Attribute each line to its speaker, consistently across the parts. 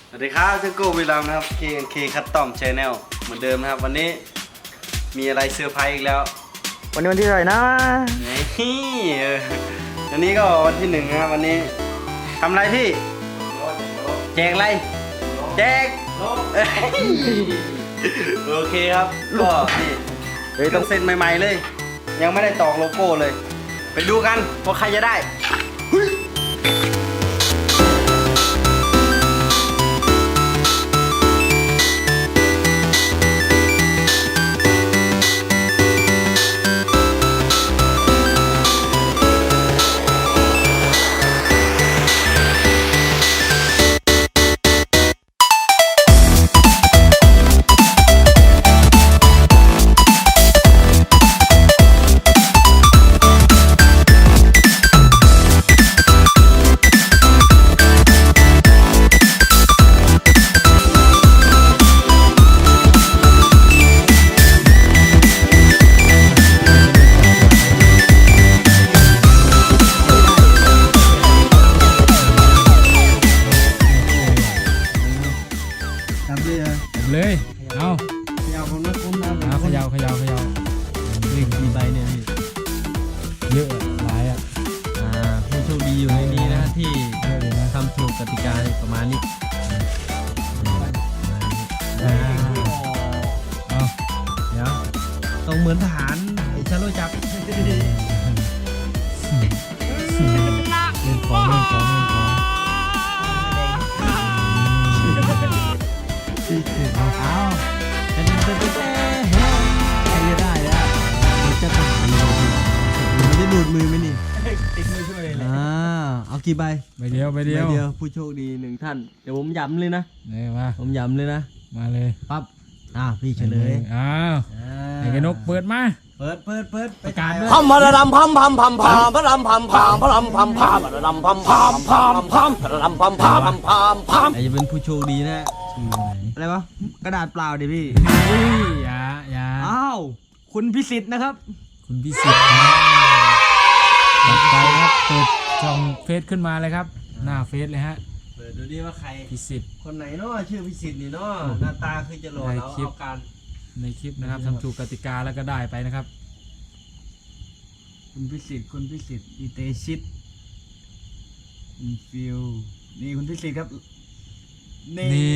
Speaker 1: สวัสดีครับเจ้าโก้วิลามนะครับ KNK Custom Channel เหมือนเดิมนะครับวันนี้มีอะไรเซอร์ไพรส์อีกแล้ว
Speaker 2: วันนี้วันที่เท่าไหร่นะ
Speaker 1: นี่วันนี้ก็วันที่1นะครับวันนี้ทำอะไรพี่แจกอะไรแจกโอเคครับก็นี่ต้องเซ็นใหม่ๆเลยยังไม่ได้ตอกโลโก้เลยไปดูกันว่าใครจะได้
Speaker 3: เลยเอา
Speaker 2: ขยาวผมนะคุณนะ
Speaker 3: เขยาว
Speaker 4: นี่กี่ใบเนี่ยพี่
Speaker 3: เยอะหลาย
Speaker 4: ผู้โชคดีอยู่ในนี้นะที่ทำถูกกติกาประมาณนี้
Speaker 3: เอา
Speaker 4: เดี๋ยวต้องเหมือนทหารไอ้ชาโลจับ
Speaker 3: เล่นของ
Speaker 4: เอาเป็นใครจะได้แล้วมันจะทหารมันจะดูดมือไหมนี่
Speaker 2: ติดมือช่วยเลย
Speaker 4: เอากี่ใบ
Speaker 3: ใบเดียว
Speaker 4: ผู้โชคดี1ท่านเดี๋ยวผมย้ำเลยนะ
Speaker 3: เนี่ยมา
Speaker 4: ผมย้ำเลยนะ
Speaker 3: มาเลย
Speaker 4: ปั๊บพี่เฉลย
Speaker 3: ไอ้กนกเปิดมา
Speaker 4: เปิด
Speaker 3: ประกาศด้วย
Speaker 2: พัมพะรำพัมพะรำพัมพะรำพัมพะรำพัม
Speaker 4: อาจจะเป็นผู้โชคดีนะอะไรวะกระดาษเปล่าดิพี่
Speaker 3: อย่า
Speaker 2: อ้าวคุณพิสิทธิ์นะครับ
Speaker 3: คุณพิสิทธิ์จัดไปครับเปิดช่องเฟซขึ้นมาเลยครับหน้าเฟซเลยฮะ
Speaker 4: เปิดดูดิว่าใคร
Speaker 3: พิสิทธิ์
Speaker 4: คนไหนเนาะชื่อพิสิทธิ์นี่เนาะหน้าตาคือจะหล่อแล้วเอาการ
Speaker 3: ในคลิปนะครับทำถูกกติกาแล้วก็ได้ไปนะครับ
Speaker 2: คุณพิสิทธิ์อีเตชิตคุณฟิวนี่คุณพิสิทธิ์ครับ
Speaker 3: นี่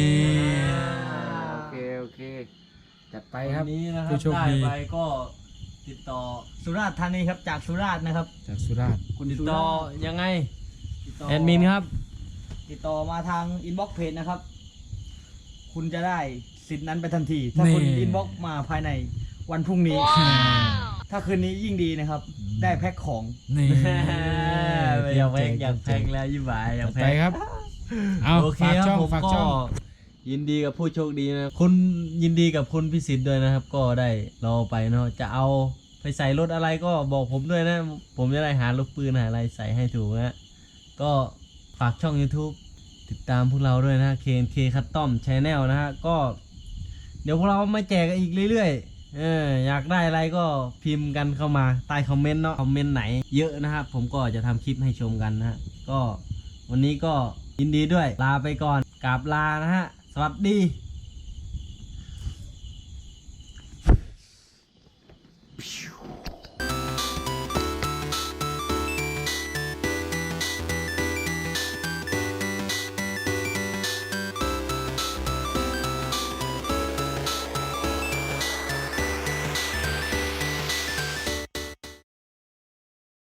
Speaker 3: โอเคจัดไปครับ
Speaker 4: นี้นะครับได้ไปก็ติดต่อ
Speaker 2: สุราษฎร์ธานีครับจากสุราษฎร์นะครับ
Speaker 3: จากสุราษฎร์
Speaker 4: คุณติดต่อยังไงแอดมินครับ
Speaker 2: ติดต่อมาทางอินบ็อกซ์เพจนะครับคุณจะได้สิทธิ์นั้นไปทันทีถ้าคุณอินบ็อกซ์มาภายในวันพรุ่งนี้ถ้าคืนนี้ยิ่งดีนะครับได้แพ็คของ
Speaker 3: นี่
Speaker 4: อยากแพ็คแล้วยิ่งบ่ายอยากแพ็ค
Speaker 3: ครับ
Speaker 4: โอเคครับผมก็ยินดีกับผู้โชคดีนะคุณยินดีกับคุณพิสิทธิ์ด้วยนะครับก็ได้รอไปเนาะจะเอาไปใส่รถอะไรก็บอกผมด้วยนะผมจะได้หาลูกปืนหาอะไรใส่ให้ถูกนะก็ฝากช่อง YouTube ติดตามพวกเราด้วยนะ KNK Custom Channel นะฮะก็เดี๋ยวพวกเรามาแจกกันอีกเรื่อยๆอยากได้อะไรก็พิมพ์กันเข้ามาใต้คอมเมนต์เนาะคอมเมนต์ไหนเยอะนะครับผมก็จะทำคลิปให้ชมกันนะฮะก็วันนี้ก็ยินดีด้วยลาไปก่อนกราบลานะฮะสวัสดี